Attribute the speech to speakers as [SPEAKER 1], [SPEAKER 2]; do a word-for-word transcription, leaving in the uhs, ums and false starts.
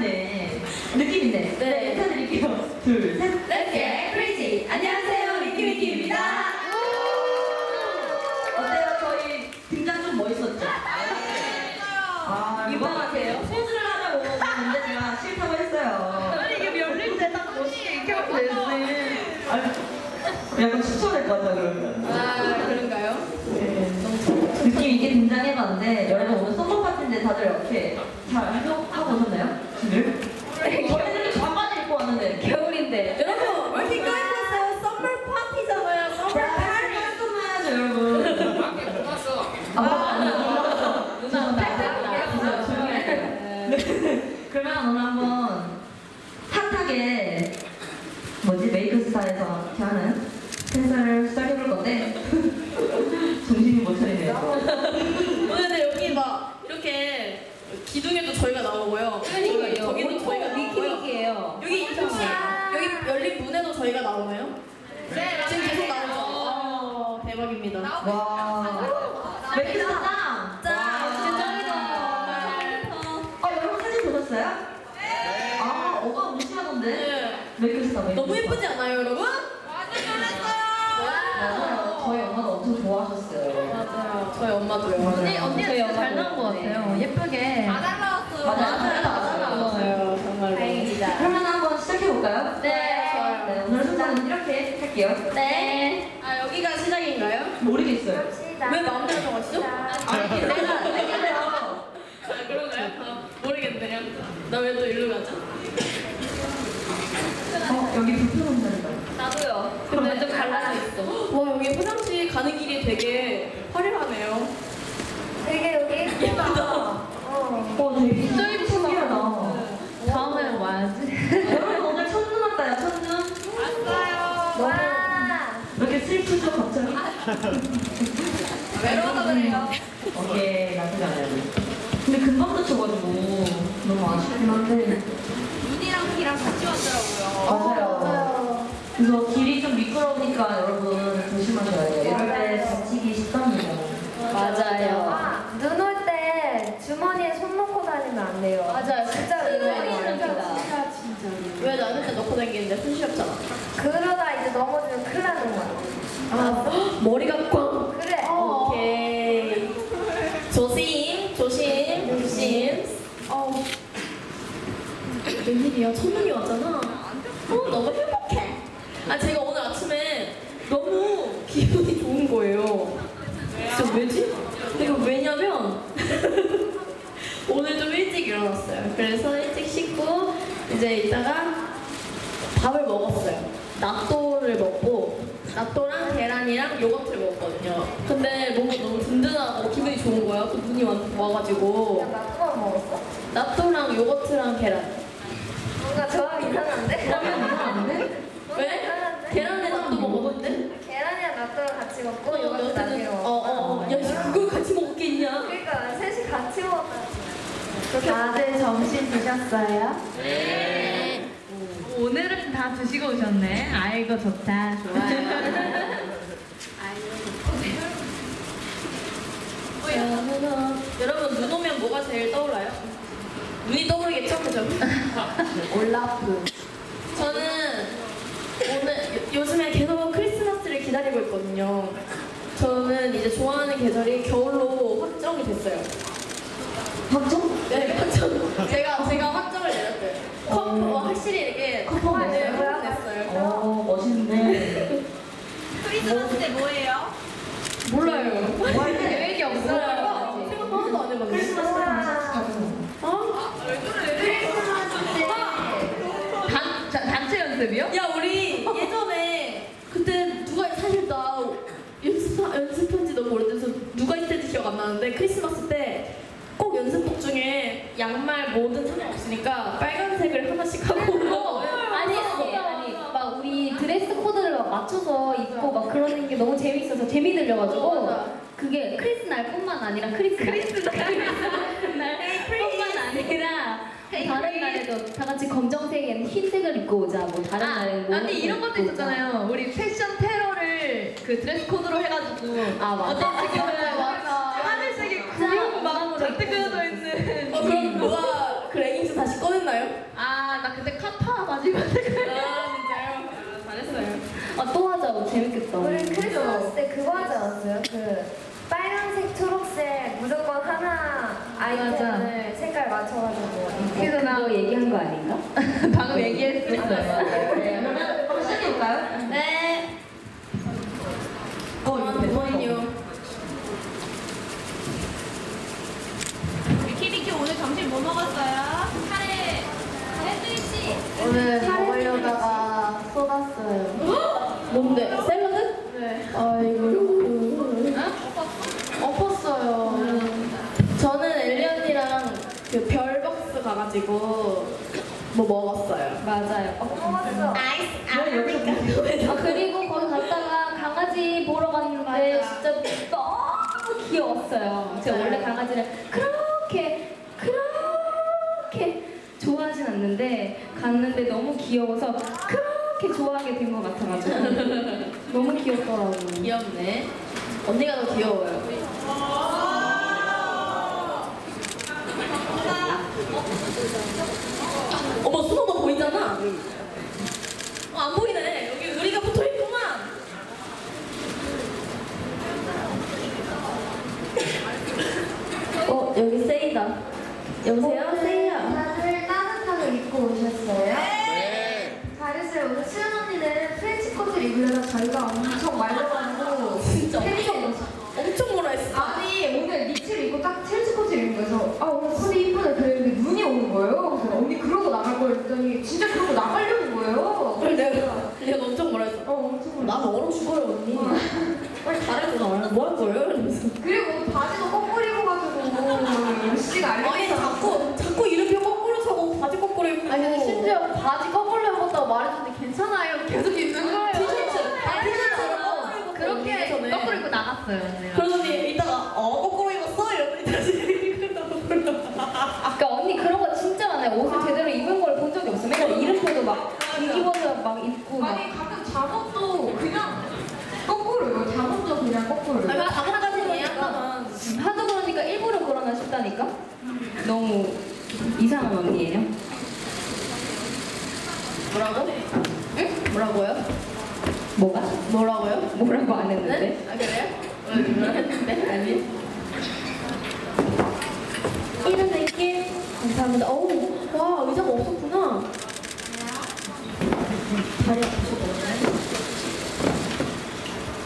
[SPEAKER 1] 있네. 느낌 있네. 네, 인사드릴게요. 둘, 셋.
[SPEAKER 2] Let's get crazy. 안녕하세요, 위키위키입니다.
[SPEAKER 1] 어때요? 저희 등장 좀 멋있었죠? 아,
[SPEAKER 2] 유명하세요?
[SPEAKER 1] 소스를 하자고 했는데 제가 싫다고 했어요.
[SPEAKER 2] 아니 이게 열릴 때 딱 멋있게 이렇게 하면 되지.
[SPEAKER 1] 아니, 약간 추천할 것 같아, 그러면.
[SPEAKER 2] 아 그런가요?
[SPEAKER 1] 네. 느낌 있게 등장해봤는데, 여러분 오늘 썸머 파티인데 다들 어떻게 잘 하고 오셨나요? 늘? 저희는 반바지 입고 왔는데.
[SPEAKER 2] 겨울인데. 여러분 왜 이렇게 까였어요? 썸머 파티잖아요. 썸머 파티.
[SPEAKER 1] 깔끔해야죠, 여러분. 아, 아니요.
[SPEAKER 2] 누나
[SPEAKER 1] 누나 조용히 할게요. 네. 그러면 오늘 한번 핫하게 뭐지 메이크 스타에서 이렇게 하는 행사를 시작해볼 건데 정신이 못 차리네요.
[SPEAKER 2] 오늘 근데 여기 막 이렇게 기둥에도 저희가 나오고요.
[SPEAKER 3] 그러니까요.
[SPEAKER 2] 저기도 저희가 나오고요.
[SPEAKER 3] 위키위키예요.
[SPEAKER 2] 여기 혹시 여기 열린 문에도 저희가 나오나요? 네. 지금 계속 나오죠. 어, 대박입니다.
[SPEAKER 1] 와. 메이크 스타.
[SPEAKER 2] 짠.
[SPEAKER 1] 아, 여러분 사진 보셨어요? 네. 아, 오빠 무시하던데.
[SPEAKER 2] 네.
[SPEAKER 1] 메이크 스타. 메이크
[SPEAKER 2] 너무
[SPEAKER 1] 스타.
[SPEAKER 2] 예쁘지 않아요, 여러분?
[SPEAKER 1] 맞아요. 저희 엄마도 엄청 좋아하셨어요.
[SPEAKER 2] 맞아요. 저희 엄마도요.
[SPEAKER 3] 언니, 언니가 진짜 잘 나온 것 같아요. 예쁘게.
[SPEAKER 2] 잘 나왔어요.
[SPEAKER 1] 맞아요.
[SPEAKER 2] 잘 나왔어요. 정말로.
[SPEAKER 3] 다행이다.
[SPEAKER 1] 그러면 한번 시작해볼까요?
[SPEAKER 2] 네. 좋아요.
[SPEAKER 1] 네, 오늘 순서는 이렇게 할게요.
[SPEAKER 2] 네. 아, 여기가 시작인가요?
[SPEAKER 1] 모르겠어요.
[SPEAKER 2] 왜 마음대로 정하시죠?
[SPEAKER 1] 아니, 내가 생각해요.
[SPEAKER 2] 아, 그런가요? 아, 모르겠네요. 나 왜 또 일로 가죠?
[SPEAKER 1] 어, 여기 불편한 자리가.
[SPEAKER 3] 나도요. 근데 좀 갈라져 있어.
[SPEAKER 2] 와, 여기 화장실 가는 길이 되게 화려하네요.
[SPEAKER 4] 되게 여기
[SPEAKER 2] 예쁘다.
[SPEAKER 4] 어.
[SPEAKER 1] 어, 되게
[SPEAKER 3] 진짜 예쁘다.
[SPEAKER 1] 신기하다.
[SPEAKER 3] 다음에는 와야지.
[SPEAKER 1] 여러분 오늘 첫눈 왔다요, 첫눈.
[SPEAKER 2] 왔어요.
[SPEAKER 4] 와.
[SPEAKER 1] 왜 이렇게 슬프죠, 갑자기?
[SPEAKER 2] 외로워서 그래요.
[SPEAKER 1] 오케이, 나쁘지 않아요. 근데 금방 다쳐가지고 너무 아쉽긴 한데.
[SPEAKER 2] 눈이랑 귀랑 같이 왔더라고요.
[SPEAKER 1] 맞아요.
[SPEAKER 4] 맞아요.
[SPEAKER 1] 그래서 길이 좀 미끄러우니까 여러분 조심하셔야 돼요. 이럴 때 다치기 쉽답니다.
[SPEAKER 3] 맞아요.
[SPEAKER 4] 아, 눈 올 때 주머니에 손 넣고 다니면 안 돼요.
[SPEAKER 3] 맞아요.
[SPEAKER 4] 진짜
[SPEAKER 3] 큰일
[SPEAKER 4] 위험해요.
[SPEAKER 3] 납니다.
[SPEAKER 4] 진짜 진짜.
[SPEAKER 2] 왜 나한테 넣고 다니는데 손 시렵잖아.
[SPEAKER 4] 그러다 이제 넘어지면 큰일 나는 거야.
[SPEAKER 2] 아, 머리가 꽝.
[SPEAKER 4] 그래.
[SPEAKER 2] 어. 오케이. 조심, 조심, 조심. 어. 웬일이야? 첫눈이 왔잖아. 어, 너무 행복해. 아, 제가 오늘 아침에 너무 기분이 좋은 거예요. 진짜 왜지? 이거 왜냐면 오늘 좀 일찍 일어났어요. 그래서 일찍 씻고 이제 이따가 밥을 먹었어요.納豆를 먹고納豆랑 계란이랑 요거트를 먹었거든요. 근데 뭔가 너무 든든하고 기분이 좋은 거야. 또 눈이 와, 와가지고
[SPEAKER 4] 야, 나 그만 먹었어?
[SPEAKER 2] 納豆랑 요거트랑 계란.
[SPEAKER 4] 뭔가 조합 이상한데?
[SPEAKER 1] 그러면 이상한데?
[SPEAKER 2] 왜?
[SPEAKER 4] 이상한데?
[SPEAKER 2] 계란에納豆먹었는데?
[SPEAKER 4] 계란이랑納豆같이 먹고
[SPEAKER 2] 어,
[SPEAKER 4] 이것도 나중에
[SPEAKER 2] 여태는
[SPEAKER 4] 먹어.
[SPEAKER 2] 어어 야, 씨, 그걸 같이 먹겠냐?
[SPEAKER 4] 그러니까 셋이 같이 먹었다.
[SPEAKER 3] 다들 점심 드셨어요?
[SPEAKER 2] 네.
[SPEAKER 3] 오늘은 다 드시고 오셨네. 아이고 좋다. 좋아요.
[SPEAKER 2] 어, 여러분 눈 오면 뭐가 제일 떠올라요? 눈이 떠오르겠죠, 그죠?
[SPEAKER 3] 올라프.
[SPEAKER 2] 저는 오늘 요, 요즘에 계속 크리스마스를 기다리고 있거든요. 저는 이제 좋아하는 계절이 겨울로 확정이 됐어요.
[SPEAKER 1] 확정?
[SPEAKER 2] 네, 확정. 제가 제가 확정을 내렸어요. 컵, 어, 확실히 이렇게
[SPEAKER 1] 커플
[SPEAKER 2] 네,
[SPEAKER 1] 냈어요?
[SPEAKER 2] 확정 냈어요.
[SPEAKER 1] 어, 멋있네.
[SPEAKER 2] 크리스마스 때 뭐예요? 몰라요.
[SPEAKER 1] 뭐 할 때?
[SPEAKER 3] 계획이 없어요.
[SPEAKER 2] 몰라요. 생각 하나도 안 해봤는데.
[SPEAKER 1] 크리스마스 때 같이 가죠.
[SPEAKER 2] 어?
[SPEAKER 3] 단, 자, 단체 연습이요?
[SPEAKER 2] 야 우리 예전에 그때 누가 사실 나 연습 연습한 지 너무 오래돼서 누가 했는지 기억 안 나는데 크리스마스 때 꼭 연습복 중에 양말 뭐든 상관없으니까 빨간색을 하나씩 하고
[SPEAKER 5] 아니 아니 아니 막 우리 드레스 코드를 막 맞춰서 입고 막 그러는 게 너무 재밌어서 재미 들려가지고
[SPEAKER 2] 어, 맞아.
[SPEAKER 5] 그게 크리스 날뿐만 아니라 크리스 크리스 날뿐만 아니라 다른 날에도 다 같이 검정색에 흰색을 입고 오자 뭐 다른 날에는
[SPEAKER 3] 아, 아니 이런 것도
[SPEAKER 5] 입고 오자.
[SPEAKER 3] 있었잖아요. 우리 패션 테러를 그 드레스 코드로 해가지고
[SPEAKER 5] 아 맞아
[SPEAKER 3] 어떤 지금은
[SPEAKER 2] 맞아.
[SPEAKER 3] 하늘색이 구름 막 잔뜩 그려져 있는
[SPEAKER 2] 어 그럼 누가 그 레깅스 다시 꺼냈나요?
[SPEAKER 3] 아, 나 그때 카파 가지고.
[SPEAKER 2] 아 진짜요? 아, 잘했어요.
[SPEAKER 5] 아, 또 하자. 재밌겠다.
[SPEAKER 4] 우리 크리스마스 때 그거 하지 않았어요? 그 빨간색, 초록색 무조건 하나 아이템을 색깔 맞춰가지고.
[SPEAKER 3] 그래서 나
[SPEAKER 5] 그거 얘기한 거 아닌가?
[SPEAKER 3] 방금 얘기했었어요.
[SPEAKER 1] 네, 그러면 한번 시작해볼까요?
[SPEAKER 2] 네.
[SPEAKER 1] 어, 이거 대박이다.
[SPEAKER 2] 잠깐만요.
[SPEAKER 6] 키리키 오늘 점심 뭐 먹었어요? 카레 카레 스위치
[SPEAKER 3] 오늘 먹으려다가 쏟았어요.
[SPEAKER 2] 뭔데? 샐러드?
[SPEAKER 3] 네.
[SPEAKER 2] 아이고.
[SPEAKER 3] 엎었어요.
[SPEAKER 2] 저는 엘리 언니랑 그 별박스 가가지고 뭐 먹었어요.
[SPEAKER 5] 맞아요.
[SPEAKER 4] 뭐 먹었어?
[SPEAKER 1] 왜 여기서
[SPEAKER 5] 아, 그리고 거기 갔다가 강아지 보러 갔는데
[SPEAKER 3] 맞아.
[SPEAKER 5] 진짜 너무 귀여웠어요. 제가 원래 강아지를 그렇게 그렇게 좋아하진 않는데 갔는데 너무 귀여워서 그렇게 좋아하게 된 것 같아가지고 너무 귀엽더라고요.
[SPEAKER 2] 귀엽네. 언니가 더 귀여워요. 어머, 수호 너 보이잖아. 어, 안 보이네. 여기 의리가 붙어 있구만. 어, 여기 세이다. 여보세요, 세이야.
[SPEAKER 4] 다들 따뜻하게 입고 오셨어요? 네. 잘했어요. 오늘 수연 언니는 프렌치 코트를 입으려다 저희가 엄청 말려가지고
[SPEAKER 2] 진짜
[SPEAKER 4] 팬이가
[SPEAKER 2] 엄청, 엄청 뭐라 했어.
[SPEAKER 4] 아니 오늘 니트를 입고 딱 트렌치 코트를 입은 거여서 아 오늘 코디 이쁘네 그랬는데 눈이 오는 거예요. 그래서 언니 그러고 나갈 걸 했더니 진짜 그러고 나가려는 거예요.
[SPEAKER 2] 그래, 내가, 내가 엄청 뭐라 했어.
[SPEAKER 4] 어 엄청
[SPEAKER 2] 나는 얼어 죽어요, 언니. 빨리 잘해줘. 뭐할 거예요? 이러면서.
[SPEAKER 4] 그리고 바지도 거꾸로 입어가지고 씨가
[SPEAKER 2] 아니,
[SPEAKER 4] 알려서
[SPEAKER 2] 자꾸, 자꾸 이름표 거꾸로 차고 바지 거꾸로 입고.
[SPEAKER 3] 아니 근데 심지어 바지 거꾸로 입었다고 말했는데 괜찮아요. 계속 입는 거예요.
[SPEAKER 2] 티셔츠. 아, 티셔츠를 거꾸로 입고
[SPEAKER 3] 그렇게
[SPEAKER 2] 전에.
[SPEAKER 3] 거꾸로 입고 나갔어요. 언니가.
[SPEAKER 2] 그러더니 이따가 어 거꾸로 입었어? 이러더니 다시 입고
[SPEAKER 5] 그러니까 언니 그런 거 진짜 많아요. 옷을 제대로 입은 걸 본 적이 없어. 맨날 이름표도 막 뒤집어서 막 입고 막.
[SPEAKER 4] 아니 가끔 잠옷도 그냥 거꾸로 입어요. 잠옷도 그냥 거꾸로 입어요.
[SPEAKER 2] 아니 잠옷까지는 이해한다만
[SPEAKER 5] 하도 그러니까 일부러 그러나 싶다니까? 너무 이상한 언니예요.
[SPEAKER 2] 뭐라고? 응? 뭐라고요?
[SPEAKER 5] 뭐가?
[SPEAKER 2] 뭐라고요?
[SPEAKER 5] 뭐라고 안 했는데?
[SPEAKER 2] 네? 아 그래요? 응, 했는데? 아니 이런 느낌 감사합니다. 어우 와 의자가 없었구나 다리 아프시다